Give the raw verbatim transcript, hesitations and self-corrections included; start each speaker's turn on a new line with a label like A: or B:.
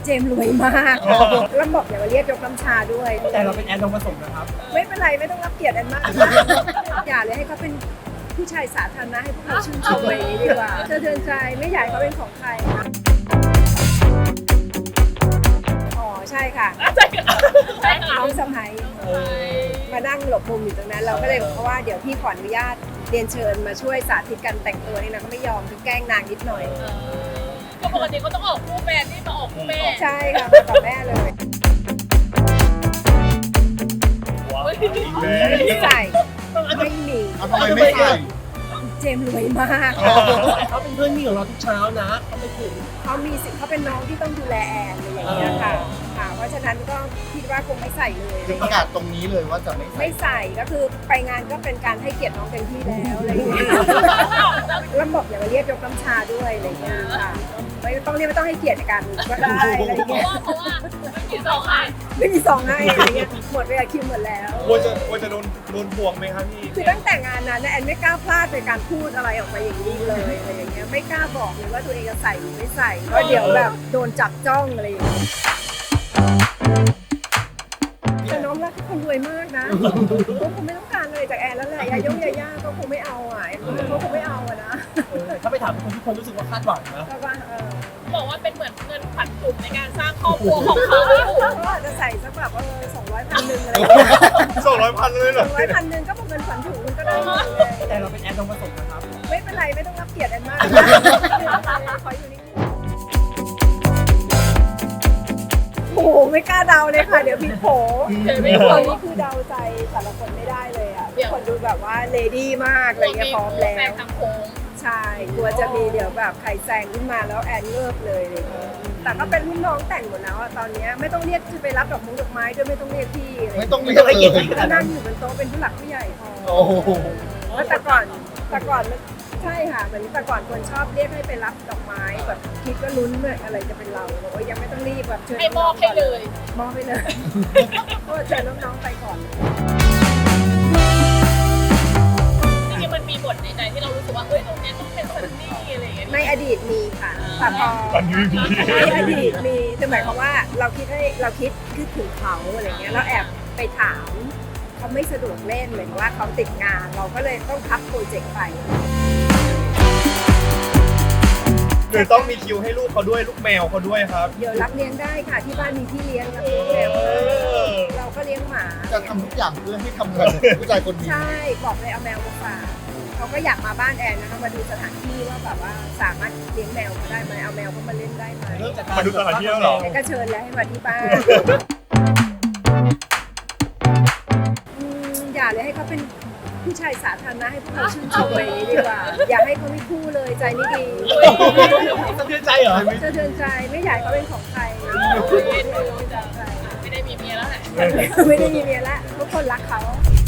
A: จมส์รวยมากแล้วบอกอย่ามาเรียกยกน้ำชาด้วย
B: แต่เราเป็นแอนทองผสมนะครับ
A: ไม่เป็นไรไม่ต้องรับเกียรติแอนมาก อย่าเลยให้เขาเป็นผู้ชายสาธารณะให้พวกเราชื่นชมไปดีกว่าสะเทือนใจไม่อยากให้เขาเป็นของใครนะอ๋อใช่ค่ะน้องสะใภ้มานั่งหลบมุมอยู่ตรงนั้นเราก็เลยบอกเขาว่าเดี๋ยวพี่ขออนุญาตเรียนเชิญมาช่วยสาธิตการแต่งตัวนี่นะก็ไม่ยอมคือแกล้งนางนิดหน่อย
C: ก็ปกติเขาต้องออกคู่แฟนที่มาออกคู่แม่
A: ใช่ค่ะมากับแม่เลย ไม่ใส่ไม่มี
D: ทำไมไม่ใส่
A: เจมส์รวยมาก
B: เขาเป็นเพื่อนนี่ของเราทุกเช้านะเขาไม่ถึง
A: เขามีสิทธิ์เขาเป็นน้องที่ต้องดูแลแอนอะไรอย่างเงี้ยค่ะค่ะ เพราะฉะนั้นก็คิดว่าคงไม่ใส่เลยอะไร
D: คือประ
A: เงี้
D: กาย ศตรงนี้เลยว่าจะไม่ใส่
A: ไม่ใส่ก็คือไปงานก็เป็นการให้เกียรติน้องเต็มที่แล้วอะไรอย่างเงี้ยแล้วบอกอย่ามาเรียกยกน้ำชาด้วยอะไรเงี้ยค่ะไม่ต้องเรียกไม่ต้องให้เกียรติกันก็ได้อะไร
C: เพราะ
A: เงี้ย
C: ว่าเพราะว่าไม่มีสองอัน
A: ไม่มีสองให้อะไรเงี้ยหมดเวลาคิวหมดแล้ว
E: ควรจะควรจะโดนโดนพวงไหมครับพี่
A: คือตั้งแต่งานนั้นนะแอนไม่กล้าพลาดในการพูดอะไรออกมาอย่างนี้เลยอะไรอย่างเงี้ยไม่กล้าบอกเลยว่าตัวเองจะใส่หรือไม่ใส่เพราะเดี๋ยวแบบโดนจับจ้องอะไรอย่างเงี้ยแต่น้องรักคนรวยมากนะเขาคงไม่ต้องการอะไรจากแอนแล้วแหละยายงยาย่าก็คงไม่เอาอ่ะเขาคงไม่เอาอ่ะนะ
B: ถ้าไปถามคนทุกคนรู้สึกว่าคาดหวังนะ
A: ก็ว่าเออ
C: บอกว่าเป็นเหมือนเงินขวัญถุงในการสร้างครอบครัวของเขา
A: เขาอาจจะใส่สักแบบเออสองร้อยพันหนึ่งอะไรอย่างเงี้ย
E: สองร้อยพันเลยเหร
A: ส
E: อ
A: องร้อยพันหนึ่งก็เป็นเงินขวัญถุงมันก็ได้หมดเลย
B: แต่เราเป็นแอนทองผสมนะครับ
A: ไม่เป็นไรไม่ต้องรับเกียรติแอนมากขออยู่นิ่งโอ้โหไม่กล้าเดาเลยค่ะ เดี๋ยวผิดโผ
C: เดี๋ยวไม่
A: ไม่
C: พ
A: ค
C: อน
A: นี้คือเดาใจแต่ละคนไม่ได้เลยอ่ะทุกคนดูแบบว่าเลดี้มากอะไรเงี้ยพร้อมแล้
C: แฟน
A: ว
C: ทางโค้ง
A: ใช่กลัวจะมีเดี๋ยวแบบใครแซงขึ้นมาแล้วแอนเงิบเลยอะไรเงี้ยแต่ก็เป็นรุ่นน้องแต่งหมดแล้วอะตอนเนี้ยไม่ต้องเรียกจะไปรับดอกมุ้งดอกไม้ด้วยไม่ต้องเรียกพี่อะไร
D: ไม่
A: เงี้ย
D: ต้องเรียกเลย
A: ก็นั่งอยู่บนโต๊ะเป็นผู้หลักผู้ใหญ่พอ
D: โอ้โห
A: แล้วแต่ก่อนแต่ก่อนมันใช่ค่ะเหมือนแต่ก่อนคนชอบเรียกให้ไปรับดอกไม้แบบคิดก็ลุ้นเลยอะไรจะเป็นเราบอกว่ายังไม่ต้องรีบแบบเชิญ
C: ให้มอบให้เลย
A: มอบให้เลยก็เชิญน้องๆไปก่อน
C: จริงๆมันมีบทในใจที่เรารู้สึกว่าเอ้ยตรงเนี้ยต้องเป็นซันนี่อะไรอย่างเงี้ย
A: ในอดีตมีค่ะแต่พอ
E: อันนี้มี
A: ในอดีตมีคือหมายความว่าเราคิดให้เราคิดคิดถึงเขาอะไรเงี้ยเราแอบไปถามเขาไม่สะดวกเล่นเหมือนว่าเขาติดงานเราก็เลยต้องพับโปรเจกต์ไป
E: หรือต้องมีคิวให้ลูกเขาด้วยลูกแมวเขาด้วยครับ
A: เดี๋ยวรับเลี้ยงได้ค่ะที่บ้านมีที่เลี้ยงรับเลี้ยงแมวเราก็เลี้ยงหมา
D: จะทำทุกอย่างเพื่อให้ทำงานผู้ชายคนนี้
A: ใช่บอกเลยเอาแมวมาฝากเขาก็อยากมาบ้านแอนนะคะมาดูสถานที่ว่าแบบว่าสามารถเลี้ยงแมวเขาได้ไหมเอาแมวเขามาเล่นได้ไหม
B: เริ่มจากการ
E: มาดูสถานที่แล้วเหรอ
A: แอนก็เชิญแล้วให้มาที่บ้านอืมอย่าเลยให้เขาเป็นผู้ชายสาธารณะให้พวกเราชื่นชมไปดีกว่า อย่าให้เขาไม่คู่เลยใจไม่ดี
B: สะเทือนใจเหรอ
A: สะเทือนใจไม่อยากให้เขาเป็นของใคร
C: ไม่ได้มีเมียแล้วแหละ
A: ไม่ได้มีเมียละทุกคนรักเขา